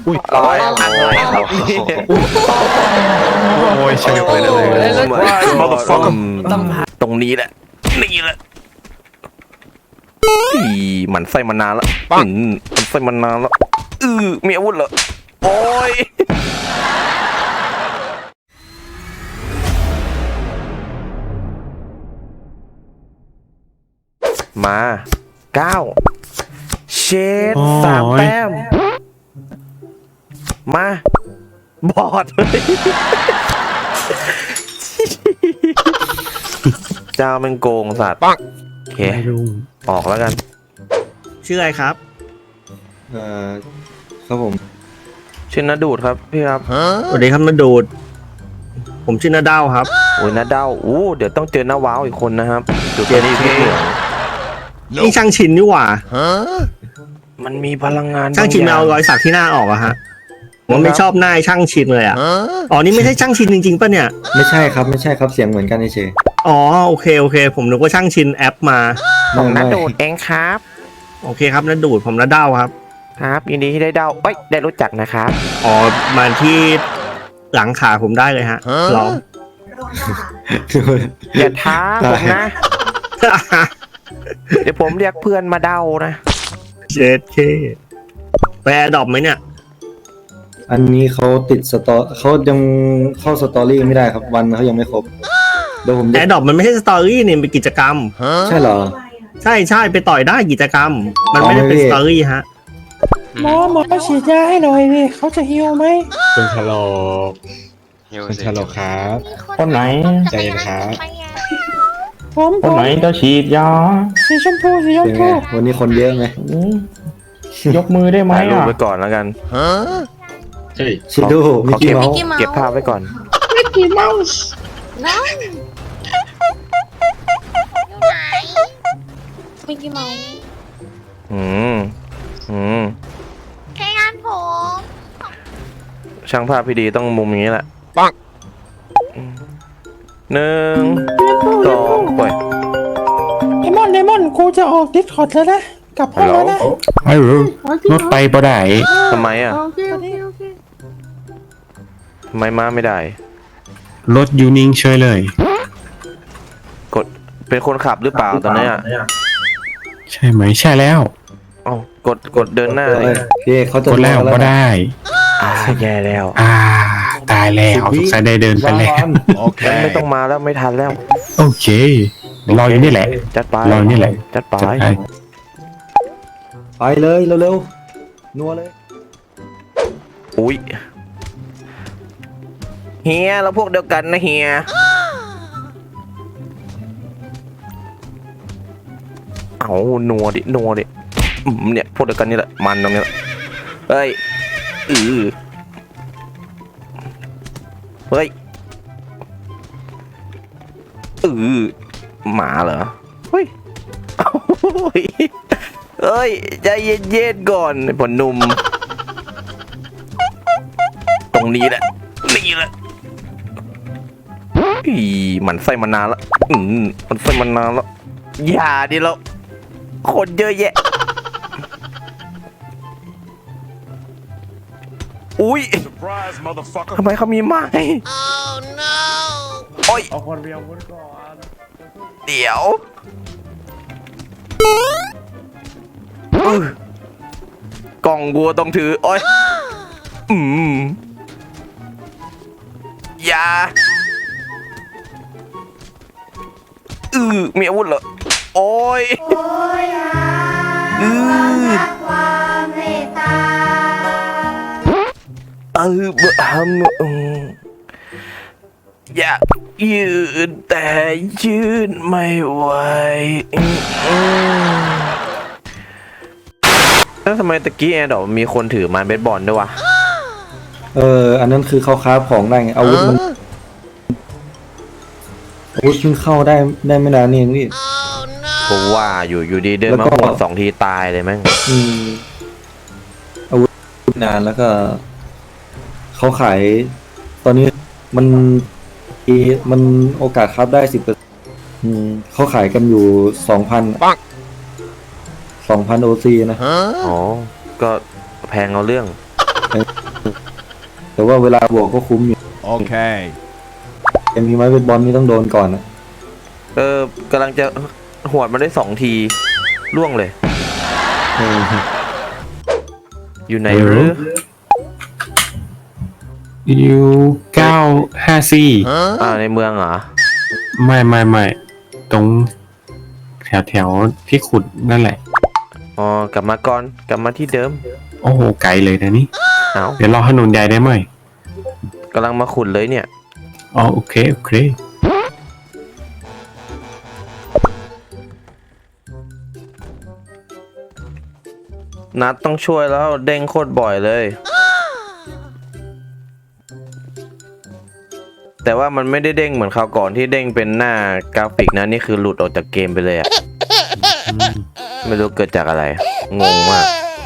อุ้ยร้อยอะไรครับโอ้ยเฉยไปเลยตรงนี้แหละนี่แหละอีหมันไส้มานานแล้วมันไส้มานานแล้วมีอาวุธเหรอโอ้ยมา9เชด3 แต้มมาบอดเลยเจ้ามันโกงสัตว์โอเคออกแล้วกันชื่ออะไรครับครับผมชื่อนาดูดครับพี่ครับสวัสดีครับนาดูดผมชื่อนาดาวครับโอ้ยนาเด้าเดี๋ยวต้องเจอน้าว้าวอีกคนนะครับดูตัวนี้พี่เหลืองนี่ช่างชินนี่หว่ามันมีพลังงานช่างชินเอารอยสักที่หน้าออกอะฮะผมไม่ชอบหน้าช่างชินเลยอะอ๋อนี่ไม่ใช่ช่างชินจริงๆป่ะเนี่ยไม่ใช่ครับเสียงเหมือนกันเฉยอ๋อโอเคผมนึกว่าช่างชินแอปมาของนาดูดเองครับโอเคครับนาดูดผมนาดาวครับครับยินดีที่ได้เด้าได้รู้จักนะครับอ๋อมาที่หลังขาผมได้เลยฮะลองอย่าท้าผมนะ เดี๋ยวผมเรียกเพื่อนมาเด้านะเจ็ดเคไปแอร์ดรอปไหมเนี่ยอันนี้เขาติดสตอเขายังเข้าสตอรี่ไม่ได้ครับวันเขายังไม่ครบเดี๋ยวผมแอร์ดรอปมันไม่ใช่สตอรี่เนี่ยเป็นกิจกรรมใช่เหรอใช่ไปต่อยได้กิจกรรม มันไม่ได้เป็นสตอรี่ฮะหมอฉีดยาให้หน่อยนี่เขาจะฮิวไหมคุณชะโลกคุณชะโลกครับคนไหนใจเย็นครับผมคนไหนจะฉีดยาสีชมพูสีชมเป็นไงพูวันนี้คนเยอะไหมอืมยกมือได้ไหมถ่ายรูปอ่ะไว้ก่อนแล้วกันเฮ้ยชิดูมิกกี้เมาส์เก็บภาพไว้ก่อนมิกกี้เมาส์น้องอยู่ไหนมิกกี้เมาส์อืมแค่งานผมช่างภาพพี่ดีต้องมุมอย่างนี้แหละ1 2ปล่อยเลมอนกูจะออกดิสคอร์ดแล้วนะกลับห้องแล้วนะไม่รู้รถไปบ่ได้ทำไมอ่ะทำไมมาไม่ได้รถยูนิ่งเฉยเลยกดเป็นคนขับหรือเปล่าตอนนี้อ่ะใช่ไหมใช่แล้วเอ้ากดเดินหน้าเลยพี่เขาจะกดแล้วก็ได้แย่แล้วตายแล้วสงสัยได้เดินไปแล้วงั้นไม่ต้องมาแล้วไม่ทันแล้วโอเครออยู่นี่แหละจัดไปรอนี่แหละจัดไปจัดไปไปเลยเร็วๆนัวเลยอุ้ยเฮียเราพวกเดียวกันนะเฮียเอานัวดิเนี่ยพวกเดียวกันนี่แหละมันตรงนี้แหละเฮ้ยเฮ้ยหมาเหรอเฮ้ยเฮ้ยใจเย็นๆก่อนผลนุ่มตรงนี้แหละมันไส้มานานแล้วมันไส้มานานแล้วอย่าดิเราคนเยอะแยะอุ้ยทำไมเขามีไม้โอ้ยเอาคนเดียวก่อนเดี๋ยวกล่องวัวต้องถือโอ้ยอย่ามีอาวุธเหรอโอ้ยอยากยืนแต่ยืนไม่ไหวแล้วทำไมตะกี้แอนดอกมีคนถือไม้เบสบอลด้วยวะอันนั้นคือเขาคราฟของได้ไงอาวุธมันเพิ่งเข้าได้ไม่นานนี่เองพี่ผมว่าอยู่ดีเดินมาหัว2 ทีตายเลยแม่งอาวุธนานแล้วก็เขาขายตอนนี้มันโอกาสคราฟได้10%เขาขายกันอยู่ 2,000 โอซีนะอ๋อก็แพงเอาเรื่องแต่ว่าเวลาบวกก็คุ้มอยู่โอเคแต่มีไม้เบสบอลนี่ต้องโดนก่อนนะกำลังจะหวดมาได้2 ทีล่วงเลย อยู่ไหนหรืออยู่954 ในเมืองเหรอไม่ตรงแถวที่ขุดนั่นแหละอ๋อกลับมาก่อนกลับมาที่เดิมโอ้โหไกลเลยนะนี่เอาเดี๋ยวรอถนนใหญ่ได้ไหมกำลังมาขุดเลยเนี่ยอ๋อโอเคนัดต้องช่วยแล้วเด้งโคตรบ่อยเลย แต่ว่ามันไม่ได้เด้งเหมือนคราวก่อนที่เด้งเป็นหน้ากราฟิกนะนี่คือหลุดออกจากเกมไปเลยอะไม่รู้เกิดจากอะไร งงมาก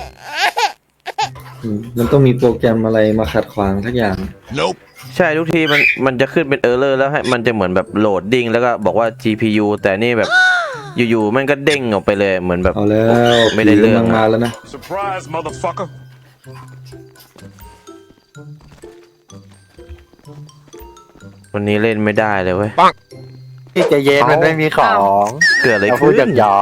มันต้องมีโปรแกรมอะไรมาขัดขวางทักอย่างใช่ทุกทีมันจะขึ้นเป็นเออร์เลอร์แล้วให้มันจะเหมือนแบบโหลดดิ้งแล้วก็บอกว่า GPU แต่นี่แบบอยู่ๆมันก็เด้งออกไปเลยเหมือนแบบเอาแล้วไม่ได้เรื่องผีกำลังมาแล้วนะ Surprise, motherfucker. วันนี้เล่นไม่ได้เลยเว้ยพี่ใจเย็นมันไม่มีของเกิดอะไรเราพูขึ้ดนหยอก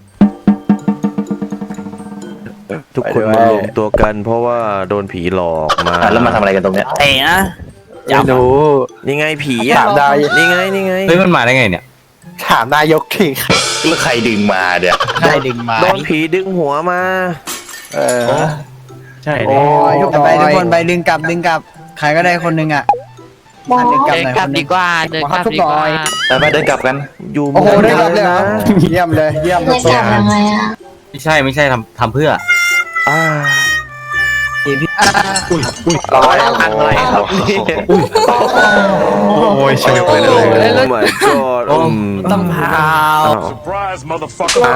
ทุกคนมารวมตัวกันเพราะว่าโดนผีหลอกมาแล้วมาทำอะไรกันตรงเนี้ยเตะนะไม่รู้นี่ไงผีถามได้นี่ไงเฮ้ยมันมาได้ไงเนี่ย ถามนายกทีแล้วใครดึงมาเนี่ยได้ดึงมาโดนผีดึงหัวมาใช่โอ้ยไปทุกคนไปดึงกลับใครก็ได้คนหนึงอ่ะดึงกลับหน่อยกลับดีกว่าเดินกลับดีกว่าไปเดินกลับกันอยู่โอ้โหเมืได้องกลับเลยเหรอนะเยี่ยมเลยเยี่ยมจะกลับยังไงอะไม่ใช่ทำเพื่ออ่าเราพังอะไรครับโอ้ยช่วยไปเลยโอ้ my god ต้องพา Surprise, motherfucker.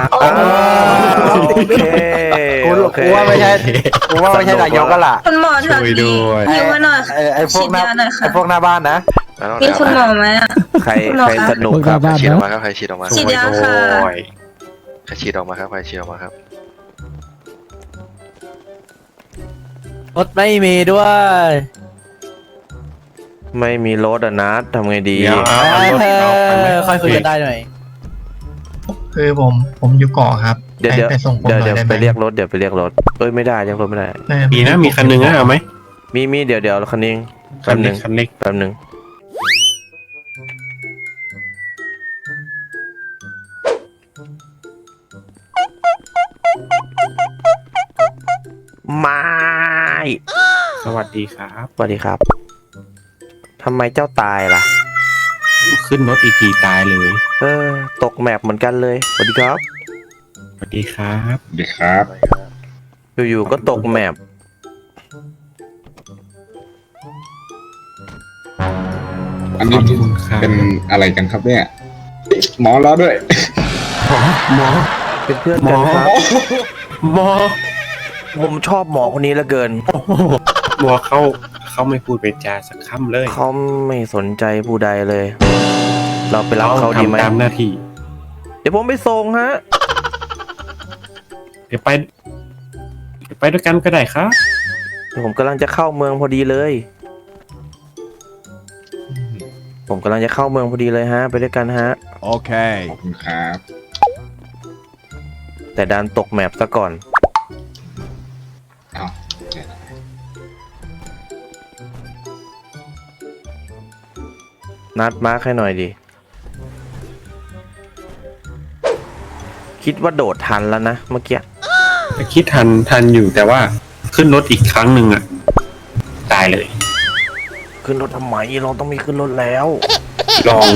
โอเคกูว่าไม่ใช่นายกก็ล่ะคุณหมอแถวช่วยนี้ด้วยอยู่มาหน่อยไอ้พวกหน้าฉีดยาหน่อยค่ะไอ้พวกหน้าบ้านนะมีคุณหมอไหมอะใครสนุกครับฉีดออกมาครับใครฉีดออกมาฉีดยาค่ะใครฉีดออกมาครับใครฉีดออกมาครับรถไม่มีด้วยไม่มีรถอ่ะนัดทำไงดีเดี๋ยวเอารถเอาไปไหมค่อยคุยกันได้หน่อยคือผมอยู่เกาะครับเดี๋ยวไปส่งผมหน่อยเดี๋ยวได้ไหมไปเรียกรถเดี๋ยวไปเรียกรถเอ้ยไม่ได้เรียกรถไม่ได้มีนะมีคันหนึงนะเอาไหมมีเดี๋ยวคันนี้คันเล็กคันเล็กแป๊บนึงไม่สวัสดีครับสวัสดีครับทำไมเจ้าตายล่ะขึ้นรถอีกทีตายเลยตกแมปเหมือนกันเลยสวัสดีครับสวัสดีครับสวัสดีครับอยู่ๆก็ตกแมปอันขนี้อบคุณครับเป็นอะไรกันครับเนี่ย หมอรอด้วยหมอเป็นเพื่อนกันครับหมอผมชอบหมอคนนี้เหลือเกินหมอเขาไม่พูดเป็นจาสักคำเลยเขาไม่สนใจผู้ใดเลย เราไปรับเขาดีไหมทำตามหน้าที่เดี๋ยวผมไปส่งฮะเดี๋ยวไปด้วยกันก็ได้ครับผมกำลังจะเข้าเมืองพอดีเลย ผมกำลังจะเข้าเมืองพอดีเลยฮะ ไปด้วยกันฮะโอเคขอบคุณครับแต่ดันตกแมปซะก่อนอ้าวนัดมาร์คให้หน่อยดิ คิดว่าโดดทันแล้วนะเมื่อกี้คิดทันอยู่แต่ว่าขึ้นรถอีกครั้งหนึ่งอ่ะ ตายเลยขึ้นรถทำไมเราต้องมีขึ้นรถแล้วลอง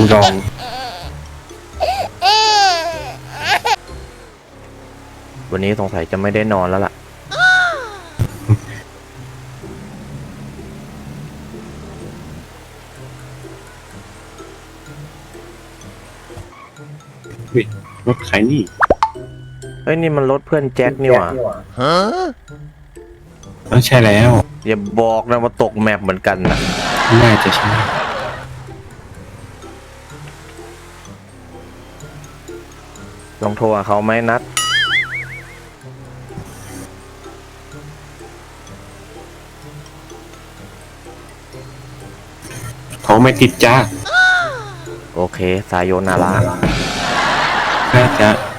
วันนี้สงสัยจะไม่ได้นอนแล้วล่ะรถใครนี่เฮ้ยนี่มันรถเพื่อนแจ็คนี่หว่าใช่แล้วอย่าบอกนะว่าตกแมปเหมือนกันนะน่าจะใช่ลองโทรหาเขาไหมนัดนเขาไม่ติดจ้าโอเค สายโยนาราน่าจะ